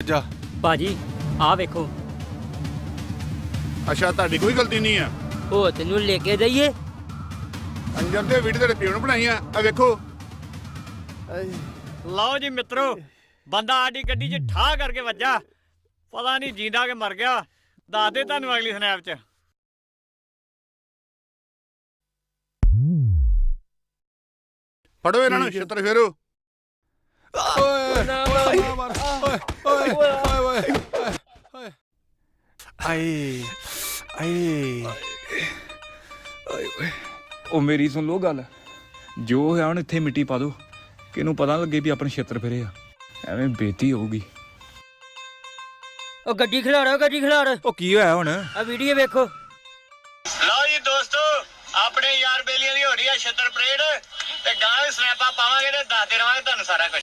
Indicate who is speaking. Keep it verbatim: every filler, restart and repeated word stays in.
Speaker 1: ਵੱਜਾ।
Speaker 2: ਭਾਜੀ ਆ ਵੇਖੋ।
Speaker 3: ਅੱਛਾ ਤੁਹਾਡੀ ਕੋਈ ਗਲਤੀ ਨਹੀਂ ਆ।
Speaker 2: ਉਹ ਤੈਨੂੰ ਲੈ ਕੇ ਜਾਈਏ।
Speaker 3: ਅੰਜਰ ਦੇ ਵੀਡੀਓ ਤੇਰੇ ਪਿਓ ਨੂੰ ਬਣਾਈਆਂ ਆ ਵੇਖੋ।
Speaker 4: ਲਓ ਜੀ ਮਿੱਤਰੋ, ਬੰਦਾ ਸਾਡੀ ਗੱਡੀ 'ਚ ਠਾਹ ਕਰਕੇ ਵੱਜਾ, ਪਤਾ ਨਹੀਂ ਜੀਂਦਾ ਕਿ ਮਰ ਗਿਆ। ਦੱਸ ਦੇ ਤੁਹਾਨੂੰ ਅਗਲੀ ਸਨੈਪ 'ਚ।
Speaker 3: ਫੜੋ ਇਹਨਾਂ ਨੂੰ, ਛਿੱਤਰ ਫੇਰੋ।
Speaker 1: ਓਏ ਓਏ ਓਏ ਓਏ ਓਏ ਆਏ ਆਏ
Speaker 5: ਉਹ ਮੇਰੀ ਸੁਣ ਲੋ ਗੱਲ, ਜੋ ਹੋਇਆ ਹੁਣ ਇੱਥੇ ਮਿੱਟੀ ਪਾ ਦੋ, ਕਿਹਨੂੰ ਪਤਾ ਲੱਗੇ ਵੀ ਆਪਣੇ ਛੇਤਰ ਫਿਰੇ ਆ, ਐਵੇਂ ਬੇਇੱਜ਼ਤੀ ਹੋਊਗੀ।
Speaker 2: ਉਹ ਗੱਡੀ ਖਿਲਾਰੋ, ਗੱਡੀ ਖਿਲਾਰ।
Speaker 5: ਉਹ ਕੀ ਹੋਇਆ ਹੁਣ?
Speaker 2: ਆ ਵੀਡੀਓ ਵੇਖੋ।
Speaker 4: ਲਓ ਜੀ ਦੋਸਤੋ, ਆਪਣੇ ਯਾਰ ਬੇਲੀਆਂ ਦੀ ਹੋ ਰਹੀ ਆ ਛਿੱਤਰ ਪਰੇਡ, ਤੇ ਗਾਂ ਵੀ ਸਨੈਪਾਂ ਪਾਵਾਂਗੇ ਤੇ ਦੱਸਦੇ ਰਵਾਂਗੇ ਤੁਹਾਨੂੰ ਸਾਰਾ ਕੁਝ।